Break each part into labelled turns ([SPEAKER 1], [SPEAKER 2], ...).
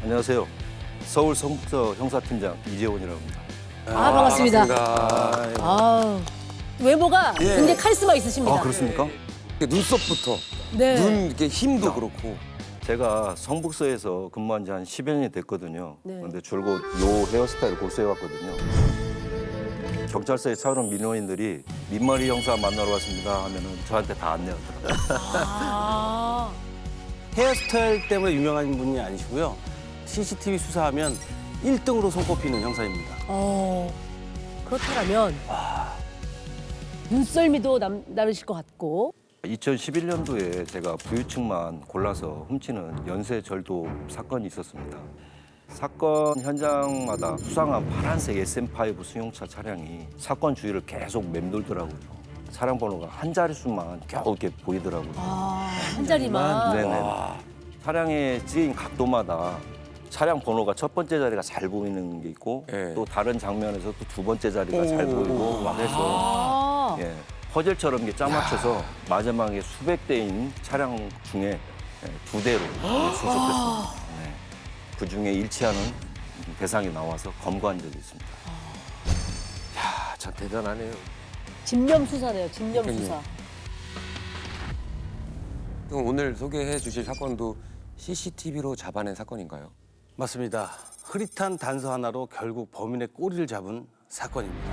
[SPEAKER 1] 안녕하세요. 서울 성북서 형사팀장 이재원이라고 합니다.
[SPEAKER 2] 반갑습니다.
[SPEAKER 3] 반갑습니다.
[SPEAKER 2] 아, 외모가
[SPEAKER 3] 예.
[SPEAKER 2] 굉장히 카리스마 있으십니다.
[SPEAKER 1] 아, 그렇습니까?
[SPEAKER 3] 눈썹부터
[SPEAKER 2] 네.
[SPEAKER 3] 눈 이렇게 힘도 그렇고.
[SPEAKER 1] 제가 성북서에서 근무한 지 한 10여 년이 됐거든요.
[SPEAKER 2] 네.
[SPEAKER 1] 그런데 줄곧 요 헤어스타일을 고수해왔거든요. 경찰서에 차오른 민원인들이 민머리 형사 만나러 왔습니다 하면은 저한테 다 안내하더라고요.
[SPEAKER 2] 아,
[SPEAKER 4] 헤어스타일 때문에 유명한 분이 아니시고요. CCTV 수사하면 1등으로 손꼽히는 형사입니다.
[SPEAKER 2] 그렇다면 눈썰미도 남다르실 것 같고.
[SPEAKER 1] 2011년도에 제가 부유층만 골라서 훔치는 연쇄절도 사건이 있었습니다. 사건 현장마다 수상한 파란색 SM5 승용차 차량이 사건 주위를 계속 맴돌더라고요. 차량 번호가 한 자릿수만 겨우 이렇게 보이더라고요.
[SPEAKER 2] 한 자리만.
[SPEAKER 1] 네네. 차량에 찍힌 각도마다 차량 번호가 첫 번째 자리가 잘 보이는 게 있고
[SPEAKER 3] 예.
[SPEAKER 1] 또 다른 장면에서 또 두 번째 자리가 잘 보이고 막 해서
[SPEAKER 2] 아,
[SPEAKER 1] 예, 퍼즐처럼 이게 짜맞춰서 마지막에 수백 대인 차량 중에 두 대로 수습했습니다. 네. 그 중에 일치하는 대상이 나와서 검거한 적이 있습니다.
[SPEAKER 3] 야, 참 대단하네요.
[SPEAKER 2] 집념 수사네요. 집념
[SPEAKER 3] 그러니까요.
[SPEAKER 2] 수사.
[SPEAKER 3] 그럼 오늘 소개해 주실 사건도 CCTV로 잡아낸 사건인가요?
[SPEAKER 4] 맞습니다. 흐릿한 단서 하나로 결국 범인의 꼬리를 잡은 사건입니다.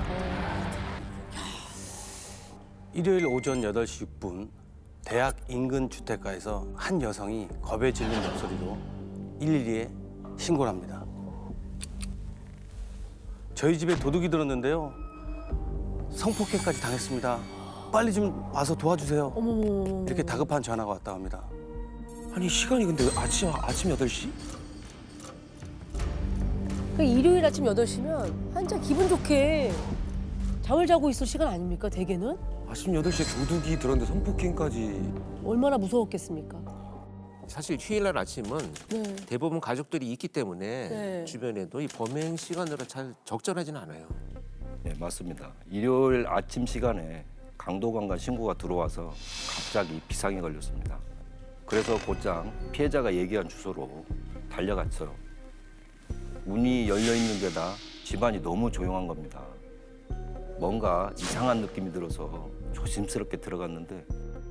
[SPEAKER 4] 일요일 오전 8시 6분 대학 인근 주택가에서 한 여성이 겁에 질린 목소리로 112에 신고를 합니다. 저희 집에 도둑이 들었는데요. 성폭행까지 당했습니다. 빨리 좀 와서 도와주세요.
[SPEAKER 2] 어머머머.
[SPEAKER 4] 이렇게 다급한 전화가 왔다고 합니다.
[SPEAKER 3] 아니 시간이 근데 아침 8시?
[SPEAKER 2] 그 일요일 아침 8시면 한참 기분 좋게 잠을 자고 있을 시간 아닙니까, 대개는?
[SPEAKER 3] 아침 8시에 도둑이 들었는데 성폭행까지.
[SPEAKER 2] 얼마나 무서웠겠습니까?
[SPEAKER 5] 사실 휴일날 아침은
[SPEAKER 2] 네.
[SPEAKER 5] 대부분 가족들이 있기 때문에
[SPEAKER 2] 네.
[SPEAKER 5] 주변에도 이 범행 시간으로 잘 적절하지는 않아요.
[SPEAKER 1] 네, 맞습니다. 일요일 아침 시간에 강도관과 신고가 들어와서 갑자기 비상이 걸렸습니다. 그래서 곧장 피해자가 얘기한 주소로 달려갔어요. 문이 열려 있는 데다 집안이 너무 조용한 겁니다. 뭔가 이상한 느낌이 들어서 조심스럽게 들어갔는데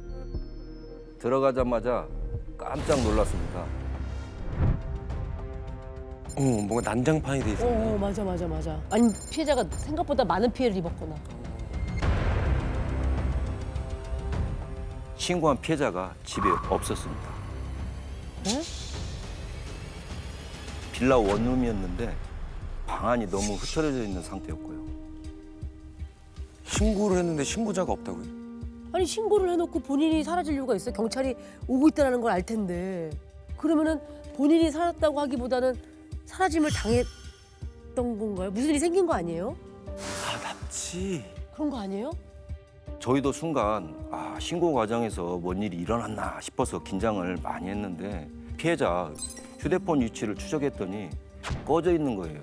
[SPEAKER 1] 들어가자마자 깜짝 놀랐습니다.
[SPEAKER 3] 뭔가 난장판이 돼 있었네.
[SPEAKER 2] 맞아. 아니, 피해자가 생각보다 많은 피해를 입었구나.
[SPEAKER 1] 신고한 피해자가 집에 없었습니다.
[SPEAKER 2] 네?
[SPEAKER 1] 빌라 원룸이었는데 방안이 너무 흐트러져 있는 상태였고요.
[SPEAKER 3] 신고를 했는데 신고자가 없다고요?
[SPEAKER 2] 아니, 신고를 해놓고 본인이 사라질 이유가 있어요? 경찰이 오고 있다는 걸 알 텐데. 그러면은 본인이 살았다고 하기보다는 사라짐을 당했던 건가요? 무슨 일이 생긴 거 아니에요?
[SPEAKER 3] 납치.
[SPEAKER 2] 그런 거 아니에요?
[SPEAKER 1] 저희도 순간 신고 과정에서 뭔 일이 일어났나 싶어서 긴장을 많이 했는데 피해자 휴대폰 위치를 추적했더니 꺼져 있는 거예요.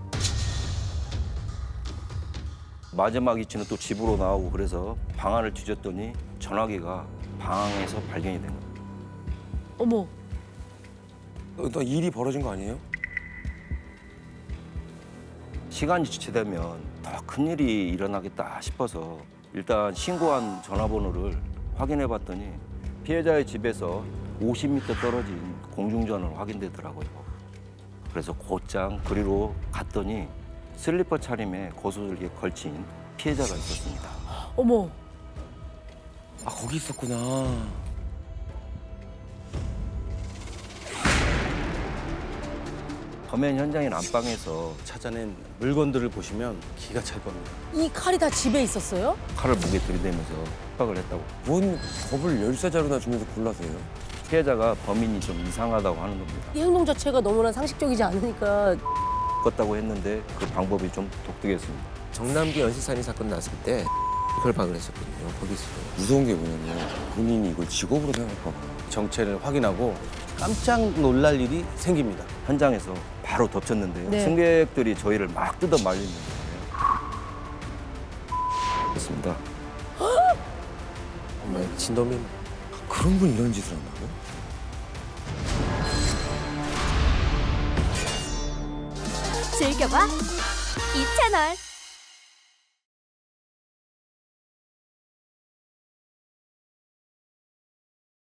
[SPEAKER 1] 마지막 위치는 또 집으로 나오고 그래서 방안을 뒤졌더니 전화기가 방에서 발견이 된 거예요.
[SPEAKER 2] 어머,
[SPEAKER 3] 너 일이 벌어진 거 아니에요?
[SPEAKER 1] 시간이 지체되면 더 큰일이 일어나겠다 싶어서 일단 신고한 전화번호를 확인해 봤더니 피해자의 집에서 50m 떨어진 공중전화로 확인되더라고요. 그래서 곧장 그리로 갔더니 슬리퍼 차림에 고소들에 걸친 피해자가 있었습니다.
[SPEAKER 2] 어머.
[SPEAKER 3] 아 거기 있었구나.
[SPEAKER 1] 범행 현장인 안방에서
[SPEAKER 4] 찾아낸 물건들을 보시면 기가 찰 겁니다.
[SPEAKER 2] 이 칼이 다 집에 있었어요?
[SPEAKER 1] 칼을 목에 들이대면서 협박을 했다고.
[SPEAKER 3] 뭔 겁을 열쇠자루나 주면서 골라서요?
[SPEAKER 1] 피해자가 범인이 좀 이상하다고 하는 겁니다.
[SPEAKER 2] 이 행동 자체가 너무나 상식적이지 않으니까.
[SPEAKER 1] 껐다고 했는데 그 방법이 좀 독특했습니다.
[SPEAKER 5] 정남기 연쇄살인 사건 났을 때 결방을 했었거든요. 거기서.
[SPEAKER 3] 무서운 게 뭐냐면 본인이 이걸 직업으로 생각할까 봐.
[SPEAKER 4] 정체를 확인하고 깜짝 놀랄 일이 생깁니다.
[SPEAKER 1] 현장에서 바로 덮쳤는데요.
[SPEAKER 2] 네.
[SPEAKER 1] 승객들이 저희를 막 뜯어 말리는 거예요. 그렇습니다.
[SPEAKER 5] 정말 진놈이
[SPEAKER 3] 그런 분이 이런 짓을 한다고요?
[SPEAKER 6] 즐겨봐 이 채널.